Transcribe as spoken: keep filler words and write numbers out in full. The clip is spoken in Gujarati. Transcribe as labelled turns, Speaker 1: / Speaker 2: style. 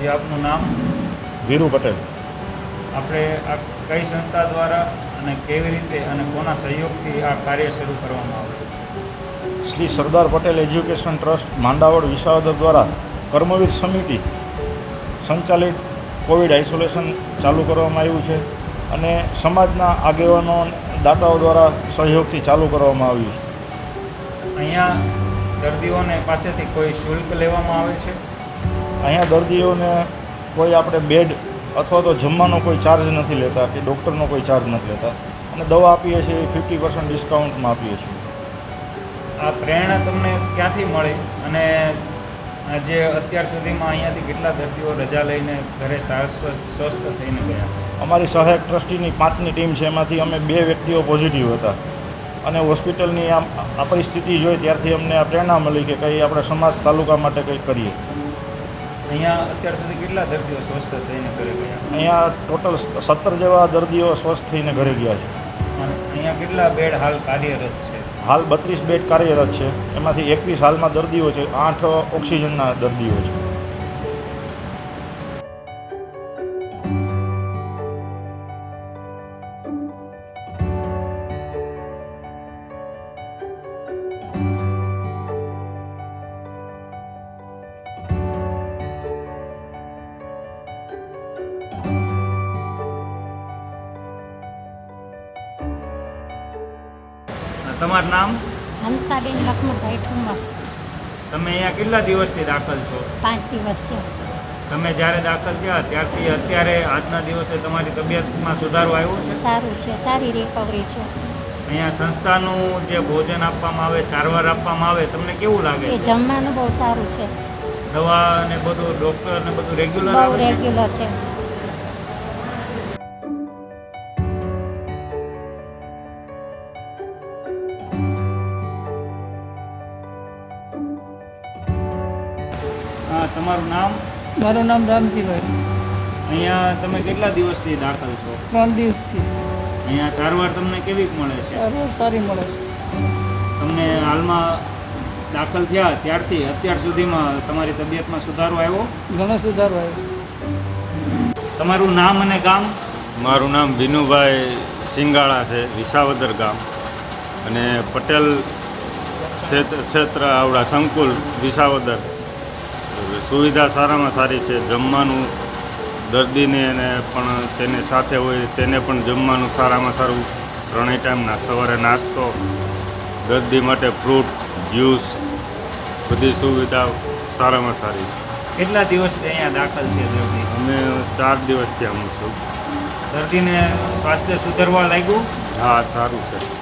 Speaker 1: જે આપનું નામ?
Speaker 2: વીરુ પટેલ.
Speaker 1: આપણે આ કઈ સંસ્થા દ્વારા અને કેવી રીતે અને કોના સહયોગથી આ કાર્ય શરૂ કરવામાં આવ્યું છે?
Speaker 2: શ્રી સરદાર પટેલ એજ્યુકેશન ટ્રસ્ટ માંડાવડ વિસાવદર દ્વારા કર્મવીર સમિતિ સંચાલિત કોવિડ આઇસોલેશન ચાલુ કરવામાં આવ્યું છે અને સમાજના આગેવાનો દાતાઓ દ્વારા સહયોગથી ચાલુ કરવામાં આવ્યું છે.
Speaker 1: અહીંયા દર્દીઓને પાસેથી કોઈ શુલ્ક લેવામાં આવે છે?
Speaker 2: અહીંયા દર્દીઓને કોઈ આપણે બેડ અથવા તો જમવાનો કોઈ ચાર્જ નથી લેતા કે ડૉક્ટરનો કોઈ ચાર્જ નથી લેતા અને દવા આપીએ છીએ એ ફિફ્ટી પર્સન્ટ ડિસ્કાઉન્ટમાં આપીએ છીએ.
Speaker 1: આ પ્રેરણા તમને ક્યાંથી મળી અને જે અત્યાર સુધીમાં અહીંયાથી કેટલા દર્દીઓ રજા લઈને ઘરે શાશ્વત સ્વસ્થ થઈને ગયા?
Speaker 2: અમારી સહાયક ટ્રસ્ટીની પાંચની ટીમ છે, એમાંથી અમે બે વ્યક્તિઓ પોઝિટિવ હતા અને હોસ્પિટલની આમ આ પરિસ્થિતિ જોઈ ત્યારથી અમને આ પ્રેરણા મળી કે કંઈ આપણે સમાજ તાલુકા માટે કંઈક કરીએ.
Speaker 1: અહીંયા અત્યાર સુધી કેટલા દર્દીઓ સ્વસ્થ થઈને ઘરે ગયા?
Speaker 2: અહીંયા ટોટલ સત્તર જેવા દર્દીઓ સ્વસ્થ થઈને ઘરે ગયા છે.
Speaker 1: અને અહીંયા કેટલા બેડ હાલ કાર્યરત છે?
Speaker 2: હાલ બત્રીસ બેડ કાર્યરત છે, એમાંથી એકવીસ હાલમાં દર્દીઓ છે, આઠ ઓક્સિજનના દર્દીઓ છે.
Speaker 1: તમારું નામ?
Speaker 3: હંસાબેન લખમણભાઈ ઠુમર.
Speaker 1: તમે અહીંયા કેટલા દિવસથી દાખલ છો?
Speaker 3: પાંચ દિવસ છે.
Speaker 1: તમે જ્યારે દાખલ થયા ત્યારથી અત્યારે આજના દિવસે તમારી તબિયતમાં સુધારો આવ્યો છે?
Speaker 3: સારું છે, સારી રિકવરી છે.
Speaker 1: અહીંયા સંસ્થાનું જે ભોજન આપવામાં આવે, સારવાર આપવામાં આવે, તમને કેવું લાગે
Speaker 3: એ
Speaker 1: છે?
Speaker 3: જમવાનું બહુ સારું છે,
Speaker 1: દવા ને બધું, ડૉક્ટર ને બધું રેગ્યુલર
Speaker 3: બહુ
Speaker 1: આવે છે?
Speaker 3: રેગ્યુલર છે.
Speaker 1: હા, તમારું નામ?
Speaker 4: મારું નામ રામજીભાઈ.
Speaker 1: અહીંયા તમે કેટલા દિવસથી દાખલ છો?
Speaker 4: ત્રણ દિવસથી.
Speaker 1: અહીંયા સારવાર તમને કેવી મળે છે?
Speaker 4: સારવાર સારી મળે છે.
Speaker 1: તમને હાલમાં દાખલ થયા ત્યારથી અત્યાર સુધીમાં તમારી તબિયતમાં સુધારો આવ્યો?
Speaker 4: ઘણો સુધારો આવ્યો.
Speaker 1: તમારું નામ અને ગામ?
Speaker 5: મારું નામ વિનુભાઈ સિંગાળા છે, વિસાવદર ગામ, અને પટેલ ક્ષેત્ર ક્ષેત્ર આવડા સંકુલ વિસાવદર. સુવિધા સારામાં સારી છે. જમવાનું દર્દીને અને પણ તેને સાથે હોય તેને પણ જમવાનું સારામાં સારું. ત્રણેય ટાઈમના સવારે નાસ્તો, દર્દી માટે ફ્રૂટ, જ્યુસ, બધી સુવિધા સારામાં સારી છે.
Speaker 1: કેટલા દિવસથી અહીંયા દાખલ છે દર્દી?
Speaker 5: અમે ચાર દિવસથી આવું છું.
Speaker 1: દર્દીને સ્વાસ્થ્ય સુધરવા લાગ્યું?
Speaker 5: હા, સારું છે.